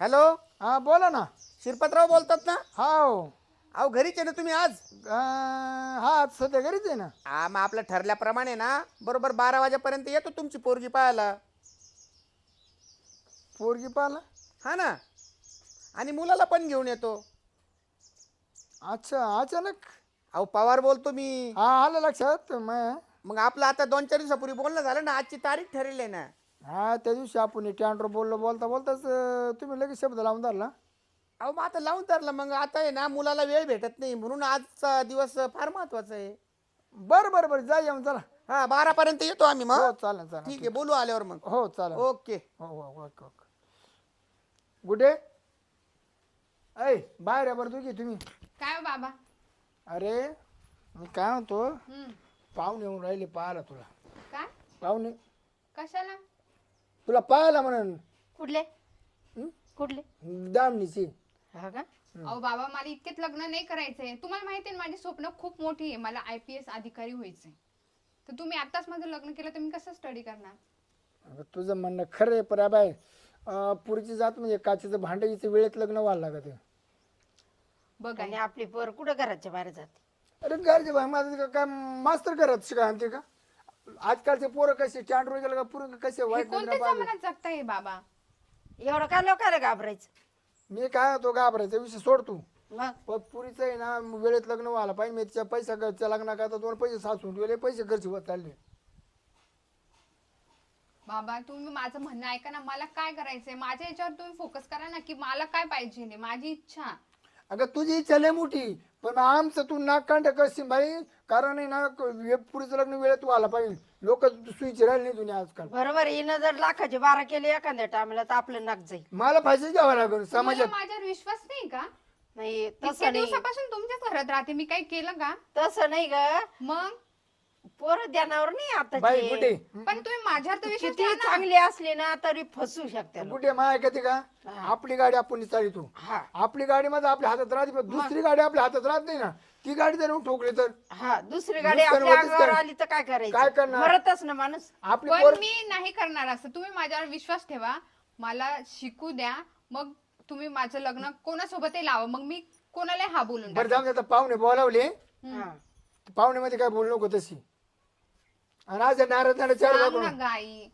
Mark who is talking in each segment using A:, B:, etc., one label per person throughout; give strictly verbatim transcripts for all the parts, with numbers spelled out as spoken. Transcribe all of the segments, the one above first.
A: Hello,
B: हा बोला ना.
A: शिरपतराव बोलतात ना?
B: हाव.
A: अहो घरीच आहे ना तुम्ही आज?
B: अं, हा आज सध्या घरीच आहे ना.
A: हा मग आपलं ठरल्याप्रमाणे ना बरोबर बारा वाजेपर्यंत येतो तुमची पोरगी पाहायला.
B: पोरगी पाहिला.
A: हा ना, आणि मुलाला पण घेऊन येतो.
B: अच्छा, अचानक.
A: अहो पवार बोलतो मी.
B: हा आलं लक्षात मग.
A: मग आपलं आता दोन चार दिवसापूर्वी बोलणं झालं ना, आजची तारीख ठरेल आहे ना.
B: हा त्या दिवशी आपण टँडर बोललो, बोलता बोलताच अं, तुम्ही लगेच शब्द लावून धरला.
A: अहो मग आता लावून धरलं, मग आता आहे ना मुलाला वेळ भेटत नाही म्हणून आजचा दिवस फार महत्वाचा आहे.
B: बरं बरं बरं जा येऊन चला.
A: हा बारा पर्यंत येतो आम्ही मग.
B: हो चालेल चालेल.
A: ठीक आहे, बोलू आल्यावर मग.
B: हो चालेल.
A: ओके.
B: हो हो ओके ओके. गुडे ऐ बाहेर आहे बरं तुझी तुम्ही.
C: काय हो बाबा?
B: अरे मी काय म्हणतो,
C: हम्म.
B: पाहुणे येऊन राहिले पाहायला तुला.
C: काय?
B: पाहुणे
C: कशाला?
B: तुला पाहायला म्हणून.
C: कुठले? कुठले?
B: दामणीची.
C: हा का? अहो बाबा मला इतकेच लग्न नाही करायचंय. तुम्हाला माहिती आहे माझी स्वप्न खूप मोठी आहे. मला आय पी एस अधिकारी व्हायचंय. तर तुम्ही आताच माझं लग्न केलं तर मी कसं स्टडी करणार?
B: अगं तुझं म्हणणं खरं आहे, पण बाय पुढची जात म्हणजे काचेचं भांडं हिचं वेळेत लग्न व्हायला लागत.
C: बघा
D: आणि आपली पोर कुठं घराच्या बाहेर जाते?
B: अरे घरचे भाई माझं का- काय मास्तर करत शिका आणते का? आजकालचे पोरं कसे चांडवर गेलं का पोरं कसे
C: हे
B: वाईट
C: कोणत्या
B: नजरा पाहतात.
C: जमान्यात जगताय बाबा?
D: एवढं काय लोकांना घाबरायचं?
B: मी काय होतो घाबरायचा विषय सोड तू.
D: मग
B: पण पुरीचं आहे ना वेळेत लग्न व्हायला पाहिजे. मी तिच्या पैसा घरच्या लग्न करता दोन पैसे साचून ठेवले, पैसे खर्च होत चालले.
C: बाबा तुम्ही माझं म्हणणं ऐका ना. मला काय करायचंय माझ्या याच्यावर तुम्ही फोकस करा ना, की मला काय पाहिजे माझी इच्छा.
B: अगं तुझी इच्छा लय मोठी, पण आमचं तू नाक कांड करशील भाई. कारण आहे ना हे पुरीचं लग्न वेळेत व्हायला पाहिजे. लोक सुईचे राहिले नाही दुनिया आजकाल.
D: बरोबर हिनं जर लाखाचे बारा केले एखाद्या टायमाला तर आपलं नाक जाईल.
B: मला फायदा घ्यावा लागेल
C: तुम्हाला
B: समाजात.
C: माझ्यावर विश्वास नाही का?
D: नाही
C: इतक्या
D: तसं नाही,
C: दिवसापासून तुमच्याच घरात राहते मी, काही केलं का?
D: तसं नाही ग.
C: मग
D: पोर ध्यानावर नाही
B: बाई
D: आता.
B: कुठे
C: पण तुम्ही माझ्यावर तर विश्वास
D: किती
C: ठेवा ना.
D: चांगली असली ना तरी फसू शकते लोक.
B: कुठे माय ऐकते का? आपली गाडी आपण चालितो.
D: हा
B: आपली गाडी मध्ये आपल्या हातात राहते, पण दुसरी गाडी आपल्या हातात राहत नाही ना. ती गाडी जर ठोकली तर
D: हा दुसरी गाडी
B: नुकसान
D: आपल्या
B: होतच
D: अंगावर
B: काय?
D: आली तर काय
B: काय
D: करायचं?
B: करणार?
D: मरतच ना माणूस.
B: आपली
C: पण
B: पोर
C: मी नाही करणार असं. तुम्ही माझ्यावर विश्वास ठेवा, मला शिकू द्या, मग तुम्ही माझं लग्न कोणासोबतही लावा, मग मी कोणाला हा बोलून
B: बरं
C: टाकेन.
B: जाऊन आता पाहुणे बोलावले.
D: हा.
B: पाहुणे मध्ये काय बोलू नको तशी. आणि आज नाराज नाराज चार
C: सांग ना
B: दाखवून
C: गाई.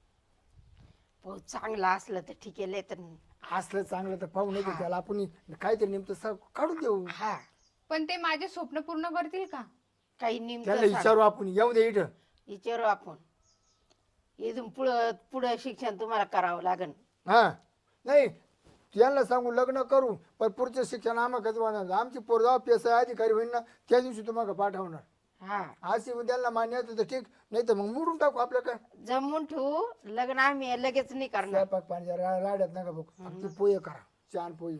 D: भाऊ चांगला असलं तर ठीक आहे, लय तर नाही.
B: असलं चांगलं तर पाहुणे की त्याला आपण काहीतरी नेमकं स- काढून देऊ.
D: हा
C: पण ते माझे स्वप्न पूर्ण करतील का?
D: काही
B: त्याला
D: नेमकं
B: विचारू आपण, येऊ दे इथं.
D: विचारू आपण. इथून पुढं पुढं शिक्षण तुम्हाला करावं लागेल.
B: हा नाही यांना सांगू लग्न करू, पण पुढचं शिक्षण आम्हाला वाढणार. आमची पोर जाऊ पी एस आय अधिकारी होईल ना त्या दिवशी तुम्हाला पाठवणार.
D: हा
B: अशी त्यांना मान्य होतं तर ठीक, नाही तर मग मोडून टाकू आपलं काय.
D: जमून ठेवू लग्न आम्ही लगेच नाही करणार.
B: स्वयंपाक पाणी जरा राड्यात नका बघ. आमची पोहे करा, छान पोहे.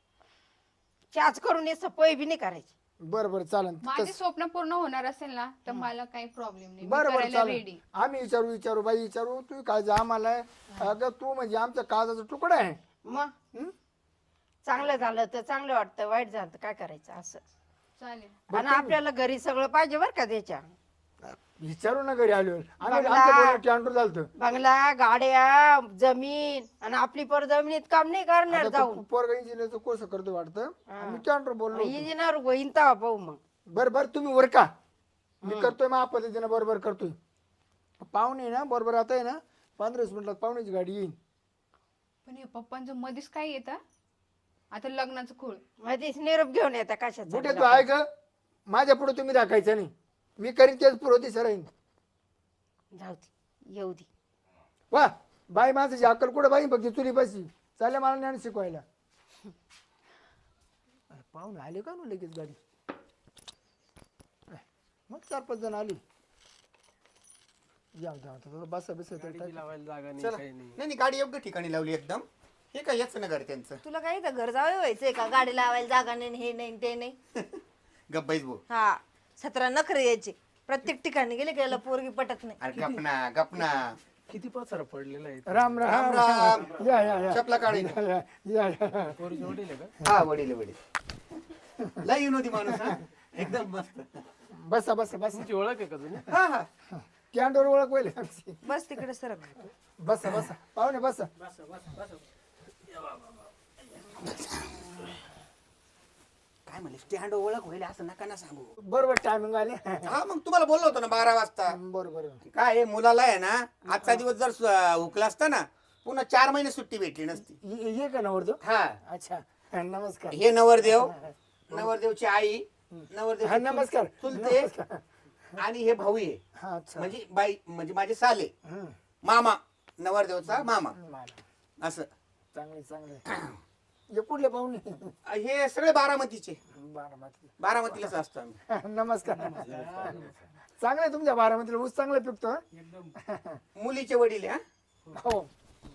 D: चाच करून येस पोय बी नाही करायची.
B: बरं बरं चालन.
C: माझे स्वप्न पूर्ण होणार असेल ना तर मला काही प्रॉब्लेम नाही, मी
B: बरं बरं
C: करायला
B: चालेल.
C: रेडी.
B: आम्ही विचारू विचारू बाई विचारू. तू काळजी आम्हाला आहे. अगं तू म्हणजे आमचा काळजाचा तुकडा आहे.
D: मग
B: हं?
D: चांगलं झालं तर चांगलं वाटतं, वाईट झालं तर काय करायचं असं.
C: चालेल.
D: आणि आपल्याला घरी सगळं पाहिजे बरं का त्याच्या.
B: विचारू ना घरी आलो. आम्ही
D: बंगला.
B: आमच्या टँडर झालतं.
D: बंगला, गाड्या, जमीन आणि आपली पर जमिनीत काम नाही करणार जाऊन.
B: पोरगा इंजिनियरचं कोर्स करतो वाटतं. आम्ही टँडर बोललो.
D: इंजिनियर होईन तेव्हा पाहू मग.
B: बरं बरं तुम्ही वर का मी करतोय मग पद्धतीनं बरोबर करतोय. पाहुणे ना बरोबर आता आहे ना पंधरा वीस मिनिटात पाहुण्याची गाडी येईल.
C: पण हे पप्पांचं मध्येच काय येतं आता लग्नाचं खोळ.
D: मध्येच निरोप घेऊन येतात कशाचा.
B: कुठे तू आहे का? माझ्या पुढे तुम्ही दाखायचं नाही. मी करीन तेच पुरवती सराईन.
D: जाऊ दे येऊ दे.
B: वा बाई माझं अक्कल कुठं बाई बघ चुली बसी चालल्या मला ज्ञान शिकवायला. पाहुणे आले का ना लगेच गाडी. मग चार पाच जण आली. जाऊ जाऊ बसा बसा
A: नाही नाही गाडी योग्य ठिकाणी लावली एकदम. हे काय याच ना घर त्यांचं.
E: तुला काही तर घर जावे व्हायचंय का? गाडी लावायला जागा नाही, हे नाही ते नाही.
A: गप्पाईच भाऊ.
E: हा सतरा नखरे यायचे. प्रत्येक ठिकाणी गेले की याला पोरगी पटत नाही.
A: अरे गपना गपना.
F: किती पसारा पडलेला आहे.
B: राम राम
A: राम.
B: या या या
A: चपला काढी.
B: या या या.
F: पोरीचे वडील आहे का?
A: हा वडील वडील. लय विनोदी माणूस हा. एकदम मस्त.
B: बसा बसा बसा.
F: तुमची ओळख आहे का तुम्ही?
A: हा हा.
B: कॅन्डोर ओळख पहिले आमची.
E: बस तिकडे सरक.
B: बसा बसा पाहुणे बसा.
A: काय म्हणले स्टँड ओळख होईल असं नका ना सांगू.
B: बरोबर टायमिंग आले
A: हा मग तुम्हाला बोललो होतो ना बारा वाजता.
B: बरोबर
A: काय आहे, मुलाला आहे ना आजचा दिवस जर सु- हुकला असता ना पुन्हा चार महिने सुट्टी भेटली नसती.
B: ये ये का नवरदेव
A: हा
B: अच्छा हा, नमस्कार
A: हे नवरदेव, नवरदेवची आई,
B: हा
A: नवरदेव
B: नमस्कार
A: चुलते
B: नमस्कार.
A: आणि हे भाऊ आहे
B: हा अच्छा
A: म्हणजे बाई म्हणजे माझे साले
B: हम्म.
A: मामा, नवरदेवचा मामा
B: मला
A: असं.
B: चांगले चांगले हे कुठले पाहुणे
A: हे सगळे बारामतीचे,
B: बारामती
A: बारामतीलाच असतो आम्ही.
B: नमस्कार चांगलं आहे तुमच्या बारामतीला ऊस चांगला पिकतो हं?
A: मुलीचे वडील आहे, हा.
B: हो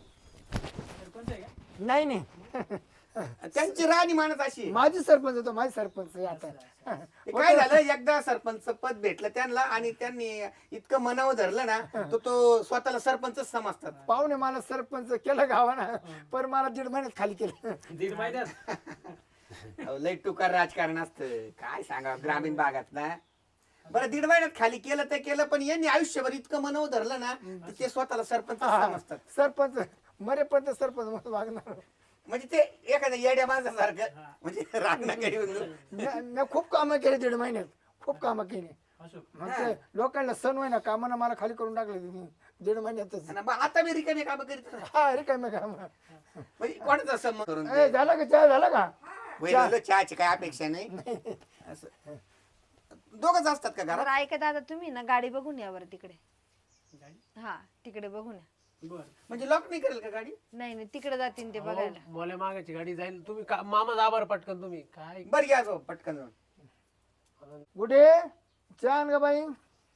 B: नाही नाही
A: त्यांची राहणी मानत अशी आहे.
B: माझी सरपंच होतो माझी सरपंच आहे आता
A: ते काय झालं एकदा सरपंच पद भेटलं त्यांना आणि त्यांनी इतकं मनावर धरलं ना तो तो स्वतःला सरपंचच समजतात.
B: पाहुणे मला सरपंच केलं गावाना पण मला दीड महिन्यात खाली केलं
F: दीड महिन्यात
A: अहो, लय टुकार राजकारण असतं काय सांगा ग्रामीण भागात ना. बरं दीड महिन्यात खाली केलं ते केलं पण यांनी आयुष्यभर इतकं मनावर धरलं ना तर ते स्वतःला सरपंच समजतात.
B: सरपंच मरेपर्यंत सरपंच म्हणून वागणार
A: म्हणजे ते एखाद्या येड्या माणसासारखं म्हणजे रागणाकडे
B: मी मी खूप कामं केली दीड महिन्यात खूप कामं केली मग ते लोकांना सण होईना कामानं मला खाली करून टाकले तुम्ही दीड महिन्यातच
A: आता मी रिकामी कामं करीत नाही.
B: हा अरे काय मग काम
A: म्हणजे कोणाचा संमत करून
B: ए झाला का चहा झाला का
A: वैल चहाची काय अपेक्षा नाही. असं दोघच असतात का घरात?
E: बरं ऐका दादा तुम्ही ना गाडी बघून या बरं तिकडे. हा तिकडे बघून या.
F: बर
A: म्हणजे लॉक नाही करेल का गाडी?
E: नाही नाही तिकडे जातील ते बघायला.
F: मोल्या मागाची गाडी जाईल तुम्ही का- मामा जा बरं पटकन तुम्ही काय
A: बरं घ्या जाऊ पटकन जाऊन.
B: कुठे चहा आण का बाई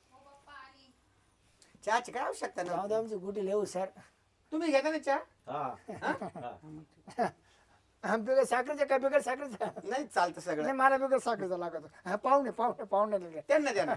A: चहाची काय आवश्यकता
B: जाऊ
A: नाही.
B: दे आमची गुटी लेऊ सर
A: तुम्ही घेता ना चहा?
B: बिगर साखरेचा काय बिगर साखरेचा
A: नाही चालतं सगळं.
B: नाही मला बिगर साखरेचा लागत हा पाहुणे पाहुणे पाहुणे दिले.
A: त्यांना द्या ना.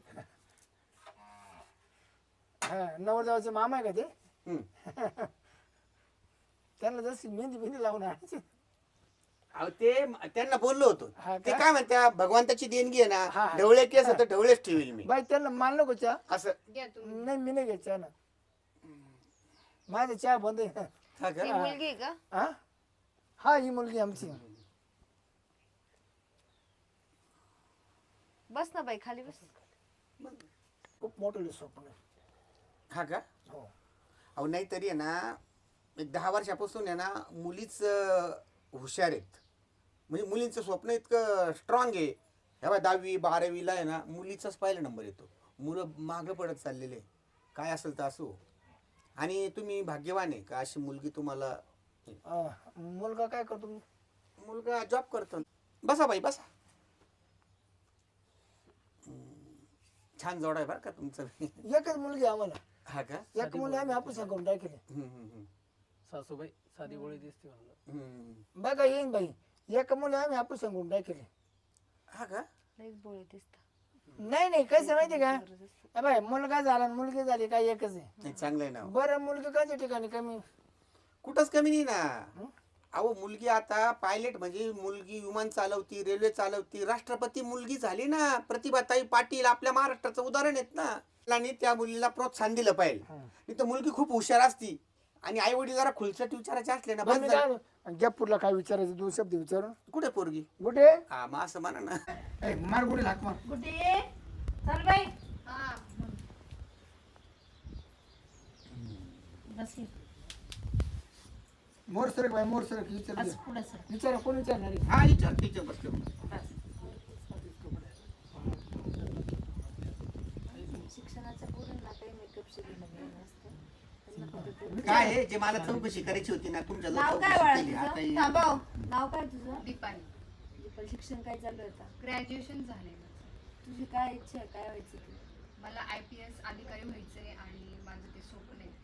B: हा नवरदेवाचे मामा आहे का ते
A: हम्म.
B: त्यांना जशी मेहंदी मेहंदी लावून आणायची
A: अहो ते त्यांना बोललो होतो
B: हा
A: ते
B: का?
A: काय म्हणत्या भगवंताची देणगी आहे
B: हा,
A: ना
B: हा.
A: ढवळे केस तर ढवळेच ठेवील मी
B: बाई त्यांना मान नको चहा
A: असं.
C: घ्या तुम्ही.
B: नाही मी नाही घ्यायचा चहा ना माझा चहा बंद आहे
A: हा का?
E: ही मुलगी आहे का?
B: हा हा ही मुलगी आमची
E: बस ना बाई खाली बस.
B: खूप मोठं स्वप्न आहे.
A: हा का?
B: हो
A: अहो नाही तरी आहे ना एक दहा वर्षापासून आहे ना मुलीच अं, हुशार आहेत. म्हणजे मुलींचं स्वप्न इतकं स्ट्रॉंग आहे. ह्या बघा दहावी बारावीला आहे ना मुलीचाच पहिला नंबर येतो. मुलं मागं पडत चाललेले काय असेल तर असो. आणि तुम्ही भाग्यवान आहे का अशी मुलगी तुम्हाला.
B: अं, मुलगा काय करतो
A: मुलगा जॉब करतो. बसा बाई बसा. हम्म, छान जोड आहे बरं का तुमचं.
B: एकच मुलगी आहे आम्हाला
A: हा का?
B: एक मुलगी आम्ही ऑपरेशन करून टाकले
A: हम्म, हम्म, हम्म.
F: सासूबाई साधी गोळी दिसते म्हणलं
A: हम्म.
B: बघा येईन बाई एक मुली आम्ही ऑपरेशन करून टाकले.
A: हा का?
E: लईच बोळे दिसता.
B: नाही नाही कसं माहिती का ए बाई मुलगा झाला आणि मुलगी झाली काय एकच आहे.
A: नाही चांगलं आहे ना.
B: बरं मुलगी काच्या ठिकाणी कमी
A: कुठंच कमी नाही ना. अहो मुलगी आता पायलट म्हणजे मुलगी विमान चालवती रेल्वे चालवती राष्ट्रपती मुलगी झाली ना. प्रतिभाताई पाटील आपल्या महाराष्ट्राचं उदाहरण आहेत ना. आणि त्या मुलीला प्रोत्साहन दिलं पाहिजे. नाही तर मुलगी खूप हुशार असती आणि आई वडील जरा खुलसट विचारायचे असले ना
B: बरं
A: बस
B: मी
A: झालं.
B: काय गप्पूरला काय विचारायचं दोन शब्द विचारून
A: कुठे पोरगी?
B: कुठे
A: हा मग असं म्हणा ना.
B: ए, मार कुठे लाग मार
D: कुठे चल बाई
C: हा.
D: बस की.
B: मोर सरक बाई मोर सरक विचार
D: बस पुढं सर.
B: विचारा कोण विचारणार आहे?
A: हा विचार तिच्या बसलो.
E: शिक्षणाच्या पोरांना काही मेकअप शिकवलं नसतं.
A: काय आहे जे मला चौकशी करायची होती ना तुमच्या जवळ
E: नाव काय
A: चौकशी
E: बाळा
A: केली. आता
E: तुझं?
A: ही-
E: थांबव. नाव काय तुझं?
C: दीपाली.
E: दीपल शिक्षण काय चालू आहे आता?
C: ग्रॅज्युएशन झालंय माझं.
E: तुझी काय इच्छा आहे काय व्हायचं तू?
C: मला आय पी एस अधिकारी व्हायचंय आणि माझं ते स्वप्न आहे.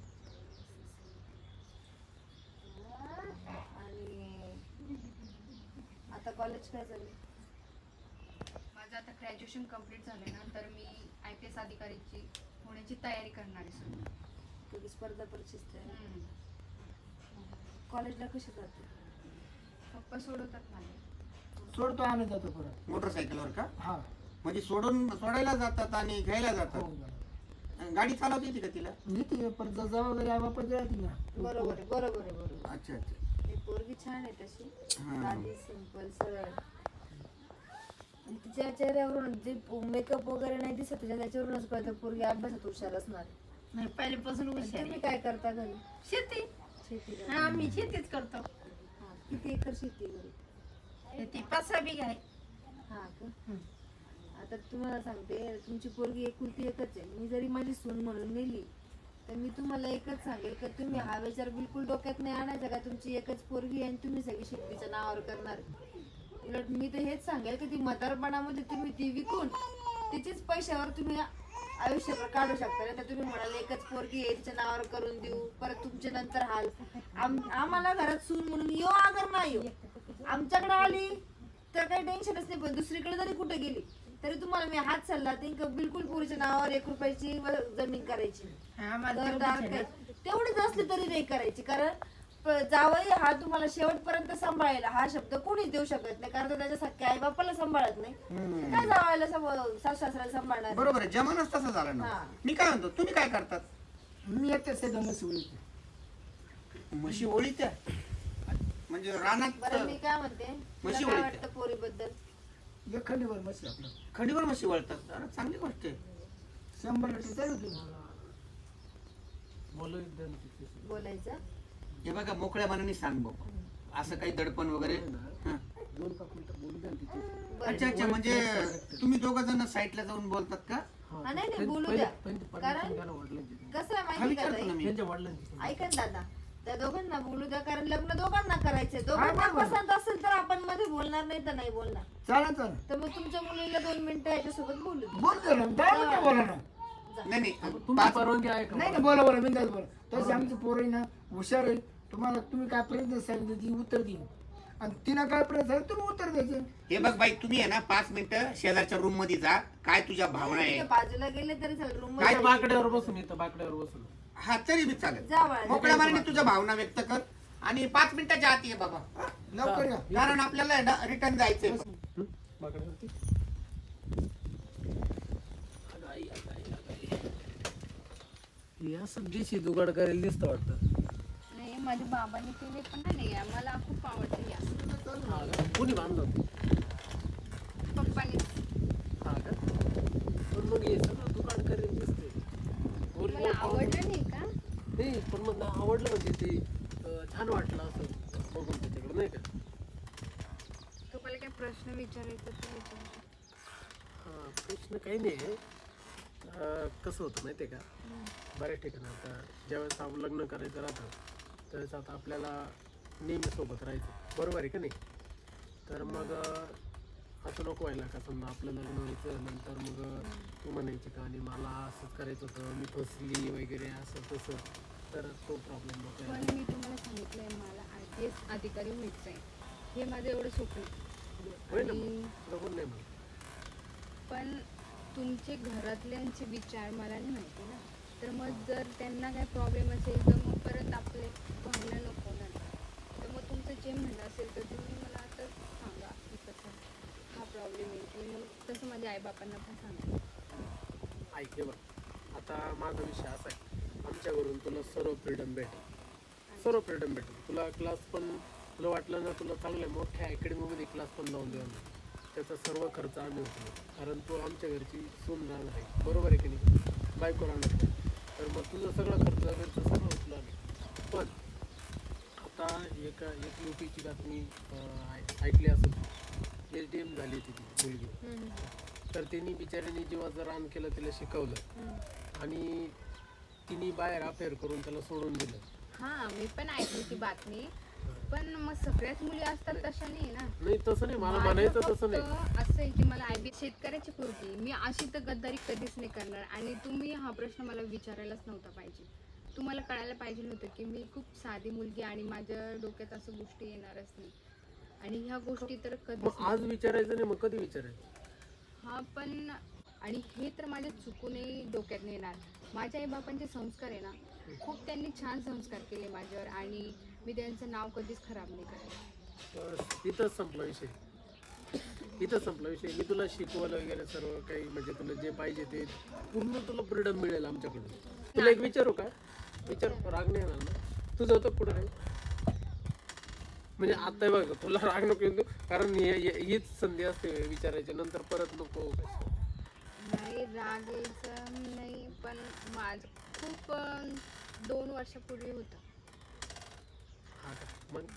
E: आणि आता कॉलेज काय चालू?
C: माझं आता ग्रॅज्युएशन कम्प्लीट झालंय ना तर मी आय पी एस अधिकारीची होण्याची तयारी करणार आहे सध्या.
E: तुझी स्पर्धा परीक्षेत आहे.
C: हम्म.
E: कॉलेजला कशी जाते?
C: पप्पा सोडवतात मला.
B: सोडतो आम्ही जातो परत
A: मोटरसायकलवर का?
B: हा
A: म्हणजे सोडून सोडायला जातात आणि घ्यायला
B: हो
A: जातात. गाडी चालवते येते का तिला?
B: नीती परत जबाबदारी आई बापाची राहते ना
E: बरोबर आहे बरोबर आहे बरोबर.
A: अच्छा अच्छा.
E: ही पोरगी छान आहे तशी.
A: हा.
E: साधी सिंपल सरळ. आणि तिच्या चेहऱ्यावरून जे मेकअप वगैरे नाही दिसत तिच्या त्याच्यावरूनच कळतं पोरगी अभ्यासात हुशार असणार.
D: नाही पहिल्यापासून हुशार
E: तुम्ही
D: आहे.
E: काय करता घरी?
D: शेती
E: शेती
D: हा आम्ही शेतीच करतो.
E: हा, किती एकर शेती आहे घरी?
D: शेती पाच सहा बिघा आहे.
E: हा का? आता तुम्हाला सांगते तुमची पोरगी एकुलती एकच आहे. मी जरी माझी सून म्हणून नेली तर मी तुम्हाला एकच सांगेल का तुम्ही हा विचार बिलकुल डोक्यात नाही आणायचा का तुमची एकच पोरगी आहे आणि तुम्ही सगळी शेतीच्या नावावर करणार. उलट मी तर हेच सांगेल की ती म्हातारपणामध्ये तुम्ही ती विकून तिचीच पैशावर तुम्ही आयुष्य काढू शकता. नाही तर तुम्ही म्हणाल एकच पोरगी आहे तिच्या नावावर करून देऊ परत तुमच्या नंतर हाल. आम आम्हाला घरात सून म्हणून यो अगर नाही येऊ आमच्याकडे आली तर काही टेन्शनच नाही. पण दुसरीकडे जरी कुठे गेली तरी तुम्हाला मी हात सल्ला देईन का बिलकुल पुरीच्या नावावर एक रुपयाची व जमीन करायची
D: हा, आम्हाला
E: घरदार
D: तेवढंच आहे
E: काही.
D: ना.
E: तेवढीच असली तरी नाही करायची. कारण प- जावई हा तुम्हाला शेवटपर्यंत सांभाळायला हा शब्द कोणीच देऊ शकत नाही. कारण तो त्याच्या सख्या आई बापाला सांभाळत नाही तर काय जावायला सासू सासऱ्याला सांभाळणार.
A: बरोबर आहे, जमानाच तसा झाला ना.
E: हा.
A: मी काय म्हणतो, तुम्ही काय करतात?
B: मी एकट्याच आहे दोन सोडली.
A: म्हशी ओळी त्या म्हणजे रानात
E: बरं मी काय म्हणते तुला
A: म्हशी
E: काय
A: वळते.
E: वाटतं पोरीबद्दल?
B: एक खंडीवर मशी आपलं
A: खडीवर म्हशी वळतात. अरे चांगली गोष्ट आहे.
B: शंभर लिटर चालू होती.
F: बोलू द्या ना तिच्याशी.
E: बोलायचं
A: हे बघा, मोकळ्या मनाने सांग बाबा, असं काही दडपण वगैरे. हा.
F: दोन पाच मिनिटं बोलू द्या ना तिच्याशी.
A: अच्छा अच्छा, म्हणजे तुम्ही दोघ जण साईडला जाऊन बोलतात का?
F: हा,
E: हा, नाही, नाही,
F: पहिले-
E: बोलू
F: पहिले-
E: द्या.
F: पहिले permission
E: कारण-
F: घ्या ना वडिलांची.
E: कसं आहे
A: हा
E: माहिती का
A: विचारतो ना
E: ताई?
A: मी.
F: त्यांच्या वडिलांची.
E: ऐका ना दादा त्या दोघांना बोलू द्या कारण लग्न दोघांना करायचंय.
B: हा,
E: दोघांना
B: बरोबर.
E: पसंत असेल तर आपण मध्ये बोलणार नाही तर नाही बोलणार.
B: चालेल चालेल
E: तर मग तुमच्या मुलीला दोन मिनिटं याच्यासोबत बोलू द्या.
B: बोल दे ना काय म्हणते बोला ना.
A: नाही नाही,
F: तुमची
A: पाच-
F: परवानगी आहे का?
B: नाही ना बोला बोला बिंदास बोला. तशी आमची पोरं आहे ना हुशार आहे. तुम्हाला तुम्ही काय प्रयत्न सांगितले ती उत्तर देईन आणि तिनं काय प्रयत्न सांगितलं तुम्ही उत्तर द्यायचे.
A: हे बघ बाई, तुम्ही आहे ना पाच मिनिटं शेजारच्या रूम मध्ये जा. काय तुझ्या भावना
E: ठीक आहे,
A: आहे?
E: बाजूला गेले तरी चालेल रूम
A: काय
F: इथं बाकड्यावर बसून येतं बाकड्यावर बसून.
A: हा तरी बी चालेल.
E: जा बाळा.
A: मोकळ्या मनाने तुझ्या भावना व्यक्त कर आणि पाच मिनिटाच्या आत ये बाबा. हा?
B: लवकर या.
A: कारण आपल्याला रिटर्न जायचंय.
F: हं? बाकड्यावरती. अगं आई, अगं आई, अगं आई. हे असं देशी जुगाड करायला दिसतं वाटतं.
C: नाही माझ्या बाबांनी केले पण नाही आहे. मला खूप आवडते या
F: हा का? कोणी बांधलं होतं?
C: पप्पाने.
F: हा का? पण मग हे सगळं जुगाड करायला दिसतंय.
C: मला
F: Original
C: आवडलं नाही का?
F: नाही, पण मग ना आवडलं म्हणजे ते अं, छान वाटलं असं बघून त्याच्याकडे नाही का?
C: तुम्हाला काय प्रश्न विचारायचा तर विचारा.
F: हा, प्रश्न काही नाही आहे. अं, कसं होतं माहिती आहे का, बऱ्याच ठिकाणी आता ज्यावेळेस आपण लग्न करायचं राहतं त्यावेळेस आता आपल्याला नेहमी सोबत राहायचं, बरोबर आहे का नाही? तर मग अं, असं नको व्हायला का समजा आपलं लग्न व्हायचं नंतर मग अं, तू म्हणायची का आणि मला असंच करायचं होतं, मी फसली वगैरे असं तसं, तर तो प्रॉब्लेम नको
C: पण
F: यायला.
C: मी तुम्हाला सांगितलंय मला आय पी एस अधिकारी व्हायचं आहे. हे माझं एवढं स्वप्न आहे.
F: होय ना
C: आणि
F: मग बघून नाही मग
C: पण तुमचे घरातल्यांचे विचार मला नाही माहिती ना. तर मग जर त्यांना काय प्रॉब्लेम असेल तर मग परत आपले भांडणं नको ना. तर मग तुमचं जे म्हणणं असेल तर तुम्ही मला आता सांगा की कसं हा प्रॉब्लेम आहे की मग तसं माझ्या आईबापांना पण सांगा.
F: ऐक हे बघ, आता माझा विषय असा आहे, आमच्या घरून तुला सर्व फ्रीडम भेटेल, सर्व फ्रीडम भेटेल. तुला क्लास पण तुला वाटलं ना तुला चांगल्या मोठ्या अकॅडमीमध्ये क्लास पण लावून देऊ आम्ही, त्याचा सर्व खर्च आम्ही उचलू. कारण तू आमच्या घरची सून राहणार आहे, बरोबर आहे की नाही? बायको राहणार आहे. तर मग तुझं सगळं खर्च घरचं सगळं उचलू आम्ही. पण आता एका एक युपीची बातमी अं, ऐ- ऐकली असेल, एच डी एम झाली तिची मुलगी. तर त्यांनी बिचाऱ्याने जीवाचं रान केलं, तिला शिकवलं आणि तिने बाहेर अफेअर करून त्याला सोडून दिलं.
C: हां मी पण ऐकली ती बातमी. पण मग सगळ्याच मुली असतात तशा नाही ना.
F: नाही तसं नाही, मला
C: माझं
F: म्हणायचं
C: फक्त
F: तसं नाही.
C: असं आहे की मला आयबी शेतकऱ्याची पोरगी मी अशी तर गद्दारी कधीच नाही करणार. आणि तुम्ही हा प्रश्न मला विचारायलाच नव्हता पाहिजे. तुम्हाला कळायला पाहिजे होतं की मी खूप साधी मुलगी आणि माझ्या डोक्यात असं गोष्टी येणारच नाही. आणि ह्या गोष्टी तर कधीच
F: मग आज विचारायचं नाही, मग कधी विचारायचं?
C: हा पण आणि हे तर माझ्या चुकूनही डोक्यात नाही येणार. माझ्या आई बापांचे संस्कार आहे ना, खूप त्यांनी छान संस्कार केले माझ्यावर आणि मी त्यांचं नाव कधीच खराब नाही करत.
F: बस इथंच संपला विषय, इथंच संपला विषय. मी तुला शिकवलं वगैरे सर्व काही, म्हणजे तुला जे पाहिजे ते पूर्ण तुला फ्रीडम मिळेल आमच्याकडून. तुला एक विचारू का? विचार, राग नाही येणार ना? तुझं होतं पुढे काही? म्हणजे आता बघ तुला राग नको येऊ देऊ, कारण हे- हे- हीच संधी असते विचारायची, नंतर परत नको.
C: नाही राग यायचं नाही, पण माझं खूप अं, दोन वर्षापूर्वी होतं.
F: हा का? मग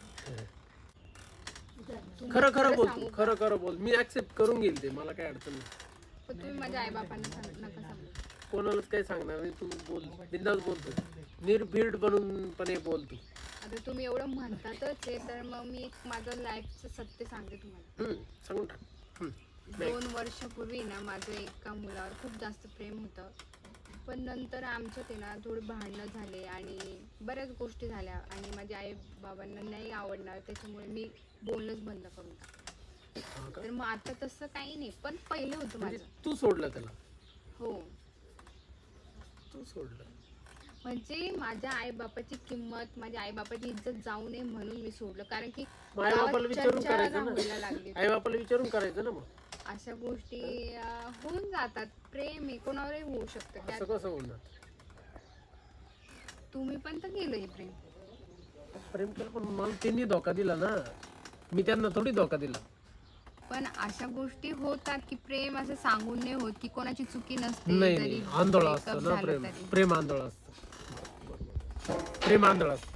F: खरं खरं बोल
C: सांगू
F: तू,
C: का?
F: खरं खरं बोल, मी ऍक्सेप्ट करून घेईल ते, मला काय अडचण नाही.
C: पण तुम्ही माझ्या आईबापांना सांग नका सांगू.
F: कोणालाच काही सांगणार नाही, तू बोल, बिंदास बोल तू, निर्भीड बनून पण हे बोल तू.
C: आता तुम्ही एवढं म्हणतातच आहे, तर मग मी एक माझं लाईफचं सत्य सांगते तुम्हाला.
F: हम्म, सांगून टाक. हम्म. नाही.
C: दोन वर्षापूर्वी ना माझं एका मुलावर खूप जास्त प्रेम होतं, पण नंतर आमच्यात आहे ना थोडी भांडणं झाले आणि बऱ्याच गोष्टी झाल्या आणि माझ्या आई बाबांना नाही आवडणार, त्याच्यामुळे मी बोलणंच बंद करून टाकलं.
F: हा का?
C: तर मग आता तसं काही नाही, पण पहिलं होतं
F: म्हणजे
C: माझं.
F: तू सोडलं त्याला,
C: हो,
F: तू सोडलं.
C: म्हणजे माझ्या आई बापाची किंमत, माझ्या आई बापाची इज्जत जाऊ नये म्हणून मी सोडलं, कारण की
F: आई बापाला
C: गावात
F: विचारून
C: चर्चा
F: करायचं
C: व्हायला
F: ना,
C: लागली.
F: आई बापाला विचारून करायचं ना. मग
C: अशा गोष्टी अं, होऊन जातात. प्रेम आहे कोणावरही होऊ शकतं.
F: असं
C: त्यात
F: कसं बोलणार?
C: तुम्ही पण तर केलं हे प्रेम.
F: प्रेम केलं पण मला त्यांनी धोका दिला ना, मी त्यांना थोडी धोका दिला.
C: पण अशा गोष्टी होतात की प्रेम असं सांगून नाही होत, की कोणाची चुकी नसते.
F: नाही
C: जरी
F: नाही, आंधळ
C: breakup
F: असतं ना
C: झालं
F: प्रेम,
C: तरी.
F: प्रेम आंधळ असतं, प्रेम आंधळ असतं.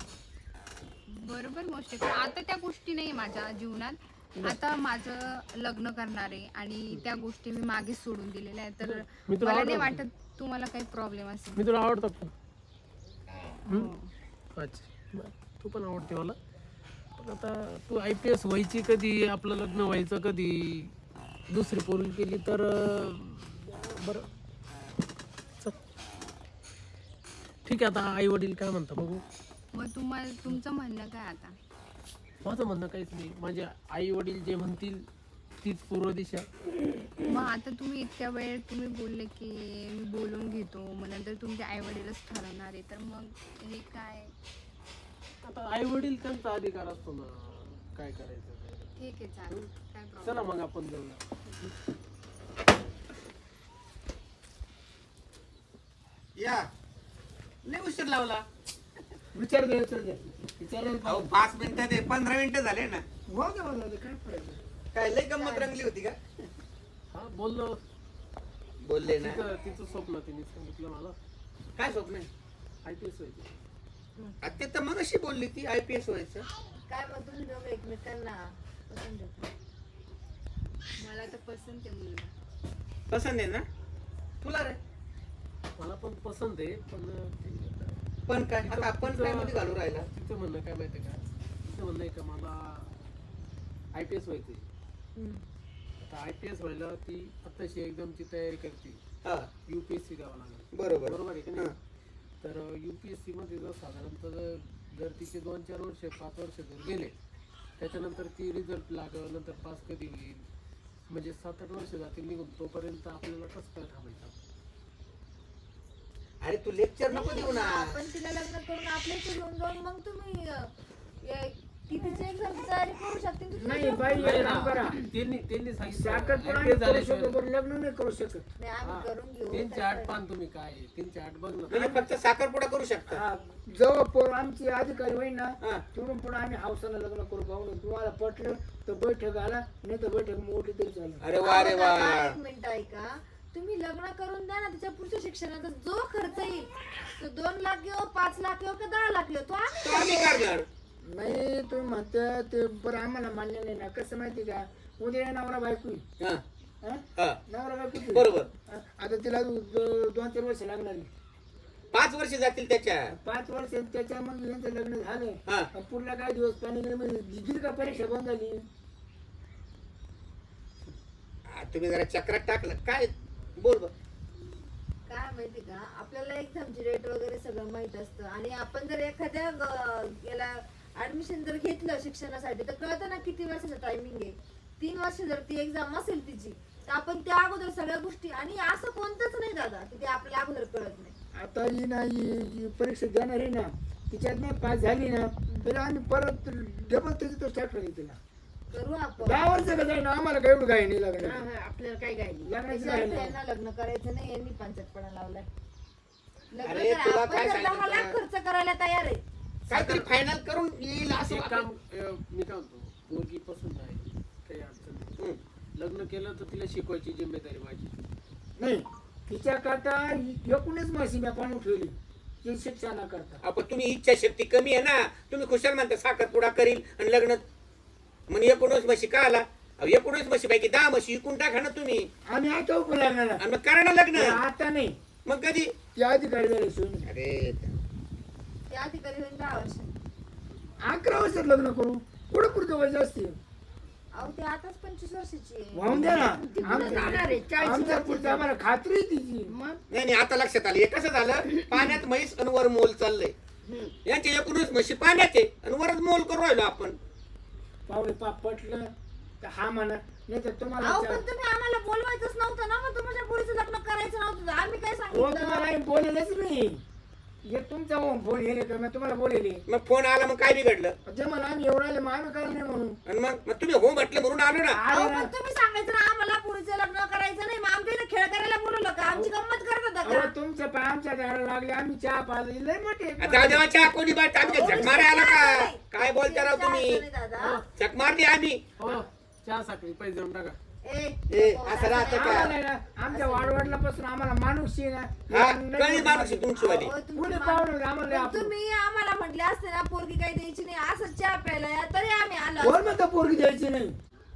C: बरोबर गोष्ट आहे. पण आता त्या गोष्टी नाही माझ्या जीवनात. आता माझं लग्न करणार आहे आणि त्या गोष्टी मी मागे सोडून दिलेल्या आहेत, तर
F: मी तुला
C: मला नाही
F: आवडतो.
C: वाटत तुम्हाला काही प्रॉब्लेम असेल.
F: मी तुला आवडतो का?
C: हो.
F: अच्छा, बरं. तू पण आवडते मला. पण आता तू आय पी एस व्हायची कधी, आपलं लग्न व्हायचं कधी, दुसरी पोरगी केली तर अं, बरं चल. ठीक आहे, आता आई वडील काय म्हणतात बघू.
C: मग तुम्हाला तुमचं म्हणणं काय आता?
F: माझं म्हणणं काहीच नाही, माझे आई वडील जे म्हणतील तीच पूर्व दिशा.
C: मग आता तुम्ही इतक्या वेळ तुम्ही बोलले की मी बोलून घेतो, मग नंतर तुमचे आई वडीलच ठरवणार आहे, तर मग हे काय?
F: आता आई वडील त्यांचा अधिकार असतो ना, काय करायचं ते.
C: ठीक आहे, चालेल, काय प्रॉब्लेम.
F: चला मग आपण जाऊया.
A: या लय उशीर लावला.
B: विचार दे विचार दे विचार
A: अहो पाच मिनिटं दे, पंधरा मिनिटं झाले ना.
B: काय पडायचं
A: काय लय गंमत रंगली होती का?
F: हा बोललो,
A: बोलले ना.
F: तिचं तिचं स्वप्न तिने सांगितलं मला,
A: काय स्वप्न आहे?
F: आय पी एस व्हायचं.
A: आ, ते तर मग अशी बोलली ती आय पी एस व्हायचं.
E: काय मग तुम्ही दोघं एकमेकांना पसंत आहे?
C: मला तर पसंत आहे मुलगा.
A: पसंत आहे ना तुला रे?
F: मला पण पसंत आहे, पण ते-
A: पण काय आता आपण काय मध्ये घालू राहिला?
F: तिचं म्हणणं काय माहिती आहे का, तिचं म्हणणं आहे का मला आय पी एस व्हायचंय.
E: हम्म.
F: आता आय पी एस व्हायला ती आत्ताशी एकदमची तयारी करते,
A: हा
F: यू पी एस सी द्यावं लागेल.
A: बरोबर
F: बरोबर आहे की
A: हा.
F: नाही? तर यू पी एस सी मध्ये जर साधारणतः जर जर तिचे दोन चार वर्ष पाच वर्ष जर गेले, त्याच्यानंतर ती रिझल्ट लागल, नंतर पास कधी होईल, म्हणजे सात आठ वर्ष जातील निघून, तोपर्यंत आपल्याला कसं काय थांबायचं?
A: अरे तू लेक्चर नको देऊ ना.
E: आपण तिला लग्न करून आपल्या इथे घेऊन जाऊन मग तुम्ही अं, या- ती तिची एक्झामची तयारी करू शकते आणि
B: नाही
E: तुम्ही
B: बाई
F: नाही
B: एक
F: ना,
B: काम करा,
F: त्यांनी त्यांनी सांगितलं
B: साखरपुडा
F: I P S
B: करू
F: झाल्याशिवाय-
B: शकतो पण लग्न नाही करू शकत.
E: नाही, आम्ही करून घेऊ.
F: तीनशे आठ पान तुम्ही काय तीनशे आठ बघ ना.
A: म्हणजे फक्त साखरपुडा करू शकता.
B: हा, जेव्हा पोर आमची अधिकारी होईल ना
A: हा.
B: तिकडून पुढे आम्ही हावसानं लग्न करू पाहून तुम्हाला पटलं तर बैठक आला, नाही तर बैठक मोठी तरी चालेल.
A: अरे वा रे वा.
E: आता एक मिनिट ऐका, तुम्ही लग्न करून द्या ना, तिच्या पुढच्या शिक्षणाचा जो खर्च येईल तो दोन लाख घेऊ, पाच लाख घेऊ, का दहा लाख घेऊ, तो आम्ही
A: तो आम्ही करणार.
B: नाही तुम्ही म्हणता ते बरं आम्हाला मान्य नाही ना. कसं माहिती का, उद्या नवरा बायको आहे.
A: हा,
B: हा?
A: हा.
B: नवरा बायको आहे.
A: बरोबर.
B: हा, आता तिला दो- दोन चार वर्ष लागणार आहे.
A: पाच वर्ष जातील त्याच्या.
B: पाच वर्ष त्याच्यामध्ये यांचं लग्न झालं,
A: हा.
B: आणि पुढला काय दिवस पाणी गेलं म्हणजे दिली का परीक्षा बंद झाली.
A: आ, तुम्ही जरा चक्रात टाकलं काय. बोल बर.
E: काय माहिती का, आपल्याला एक्झामची डेट वगैरे सगळं माहित असतं आणि आपण जर एखाद्या ग- याला ऍडमिशन जर घेतलं शिक्षणासाठी तर कळतं ना किती वर्षाचं टायमिंग आहे. तीन वर्ष जर ती एक्झाम असेल तिची तर आपण त्या अगोदर सगळ्या गोष्टी, आणि असं कोणतंच नाही दादा की ते आपल्याला अगोदर कळत नाही.
B: आता ही ना ही ही परीक्षा देणार आहे ना, तिच्यात नाही पास झाली ना तर आम्ही परत डबल त्याची तर स्टार्ट करायची तिला.
E: करू आपण.
B: दहा वर्ष का जाईना, आम्हाला काय एवढं काही नाही लागणार.
E: हा, हा, आपल्याला काय काय नाही.
B: लग्नाची
E: त्याच्या
B: काय
E: अर्थ यांना लग्न करायचं नाही, यांनी पंचायतपणा लावलाय. लग्न
A: अरे,
E: करा.
A: तुला
E: आपण
A: काय
E: जर दहा
A: सांगितलं?
E: लाख खर्च करायला तयार आहे
A: काहीतरी फायनल करून येईल असं
F: एक
A: वाटतं.
F: काम अं, मी काय म्हणतो मुलगी पसंत आहे काही अडचण नाही.
A: हम्म.
F: लग्न केलं तर तिला शिकवायची जिम्मेदारी माझी.
B: नाही तिच्या करता एकूणच म्हशी मी पाणी ठेवली ती शिक्षणा करता.
A: आपण तुम्ही इच्छाशक्ती कमी आहे ना, तुम्ही खुशाल म्हणता साखरपुडा करील आणि लग्न मग एकोणीस म्हशी का आला अहो, एकोणीस म्हशी पैकी दहा म्हशी विकून टाका ना तुम्ही
B: आम्ही आता उभं लागणार
A: आणि मग करा ना लग्न.
B: आता नाही
A: मग कधी
B: ती अधिकारी झाली सोयी
A: अरे
E: ते अधिकारी होईल दहा वर्ष.
B: अकरा वर्षात लग्न करू पुढे पुढचं वय जास्त आहे.
E: अहो ते आताच पंचवीस वर्षाची आहे.
B: वाहून द्या ना
D: ती पुढे जाणार आहे,
B: आमच्या
D: चाळीस
B: आमच्या
D: वर्षाची.
B: पुढचं आम्हाला खात्री आहे तिची.
D: मग
A: नाही नाही आता लक्षात आलं हे कसं झालं पाण्यात म्हैस आणि वर मोल चाललंय यांचे एकोणीस म्हशी पाण्यात आहे आणि वरच मोल करू राहिलो आपण.
B: पावले पाप पटलं तर हा म्हणा नाही तर तुम्हाला
E: अहो
B: चार-
E: पण तुम्ही आम्हाला बोलवायचंच नव्हतं ना, मग तुमच्या पोरीचं लग्न करायचं नव्हतं तर आम्ही काय
B: हो
E: सांगितलं.
B: तुम्हाला आम्ही बोलेलच नाही हे तुमचा फोन येणे तर मी तुम्हाला बोलेले
A: मग फोन आला मग काय बिघडलं
B: जे मला आम्ही एवढं आले मग आम्ही करणार नाही म्हणून
A: आणि मग मग तुम्ही हो म्हटलं म्हणून आलो ना.
E: अहो
B: आले ना.
E: पण तुम्ही सांगायचं ना आम्हाला पोरीचं लग्न करायचं नाही, मग आमच्या इथे खेळ करायला बोलवलं का, आमची गंमत करत होता
B: अहो
E: का.
B: तुमच्या पाय आमच्या घराला लागले आम्ही चहा पाजली लय मोठे
A: आता देवाच्या कोणी बात आम्ही झक मारे आला का काय बोलता राव तुम्ही
E: दादा
A: झक मारली आम्ही.
F: हो चहा साखळी पैसे देऊन टाका.
E: ए
A: ए असं राहतं
B: आम्हाला
A: का
B: ना, आमच्या वाडवडलापासून आम्हाला माणूस आहे
A: हा
B: ना
A: कळली माणूस आहे तुमची वाली.
E: अहो, तुमची
B: पुढे
E: मा-
B: पाहुणे आम्हाला लय
E: पण
B: आपलं.
E: तुम्ही आम्हाला म्हटले असते ना पोरगी काही द्यायची नाही असं चहा प्यायला या, तरी आम्ही आलो
B: कोण म्हणतो पोरगी द्यायची नाही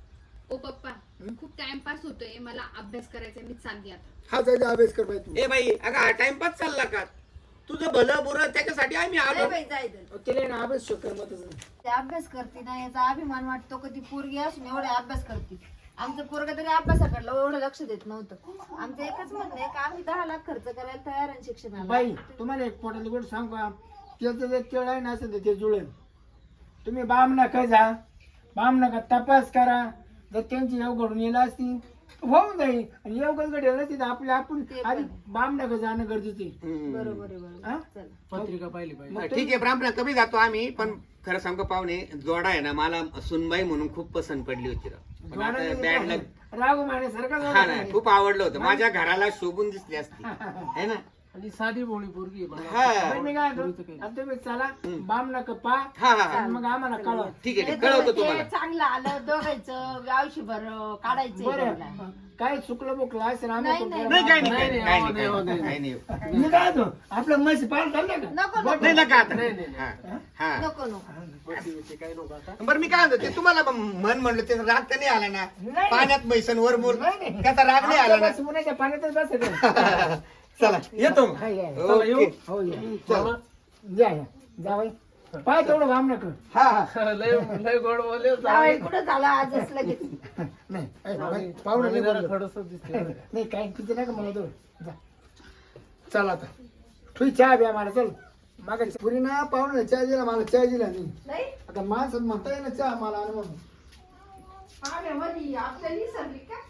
C: ओ पप्पा खूप टाइमपास होतोय, मला अभ्यास करायचा आहे, मी चालली आता.
B: हा जायचा अभ्यास कर बाई तू
A: ए बाई अगं हा टाइमपास चालला का तुझं भलं बुरं त्याच्यासाठी आम्ही
E: नाही
A: आलो.
E: बाई, जायचं.
B: तिला ना अभ्यास शक्य मतच नाही
E: ते अभ्यास करते ना याचा अभिमान वाटतो कधी पोरगी असून एवढे अभ्यास करते. आमचं पोरग तरी अभ्यासाकडलं एवढं लक्ष देत नव्हतं. आमचं एकच म्हणणं आहे का आम्ही दहा लाख खर्च करायला तयार आहे शिक्षणाला.
B: बाई तुम्हाला एक पोटाली गोष्ट सांगू का त्याचं जर केळ आहे ना असेल तर ते जुळेल. तुम्ही बाम नका जा बाम नका तपास करा जर त्यांची येव घडून येईल असती होऊन जाईल आणि येव घडलं नसती तर आपल्या आपण
E: ते पण
B: आधी
E: आहे.
B: बाम नका जाणं गरजेचं आहे.
A: हम्म.
E: बरोबर आहे बरोबर.
B: हा?
E: चला.
F: पत्रिका पाहिली पाहिजे.
A: हा, ठीक आहे ब्राह्मण कमी जातो आम्ही पण खरं सांगू पाहुणे जोडा आहे ना मला सुनबाई म्हणून खूप पसंत पडली होती राव. पण आता बॅड लग
B: रागू माने सारखा
A: हा ना खूप आवडलं होतं माझ्या घराला शोभून दिसली असती है ना.
F: आणि साधी भोळी पोरगी आहे मला.
A: हा
B: मी काय म्हणतो, आता तुम्ही चला बाम नका पा
A: हा हा हा
B: आणि मग आम्हाला कळवा
A: ठीक आहे
D: हे
A: ठीक आहे, कळवतो
D: ते
A: तुम्हाला.
D: चांगलं आलं दोघायचं आयुष्यभर काढायचं
B: बरं काय चुकलं बुकलं असेल आम्ही
E: नाही,
B: पण
E: नाही.
A: नाही काय नाही
F: नाही,
A: काय
F: नाही,
A: नाही, काय
F: हो,
A: नाही,
F: नाही,
A: काय नाही.
B: मी काय म्हणतो, आपलं म्हशी पाल चाललं का
E: नको नको
A: नाही नका आता
F: नाही, नाही,
A: हा, हा.
E: नको नको.
F: बसी बिसी काही नको आता.
A: बरं मी काय म्हणतो ते तुम्हाला ब- मन म्हणलं ते राग तर नाही आला ना
B: नाही.
A: पाण्यात मैसन वर बोल
B: नाही, नाही.
A: त्याचा राग नाही आला ना.
B: आमच्या उन्हाच्या पाण्यातच बसायचं.
A: चला येतो मग.
B: हा, या, या.
F: चला, येऊ.
A: ओके.
B: हो या
A: चला.
B: या या जा बाई पाय तेवढं बाम नका
A: हा हा
F: लय लय गोड बोलले.
D: जावई कुठं झाला आजच लगेच.
B: नाही ऐ, बाई, पाहुणे नाही बोललो.
F: खडसच दिसते.
B: नाही काय किती नका मला तो जा चल आता तू चहा द्या मला चल मागा पुरी ना पाहुणे चहा दिला मला चहा दिला नाही
D: नाही
B: आता माणसात म्हणता येईल ना चहा मला आणि म्हणून
D: पाहुण्यामध्ये आपल्याला विसरली का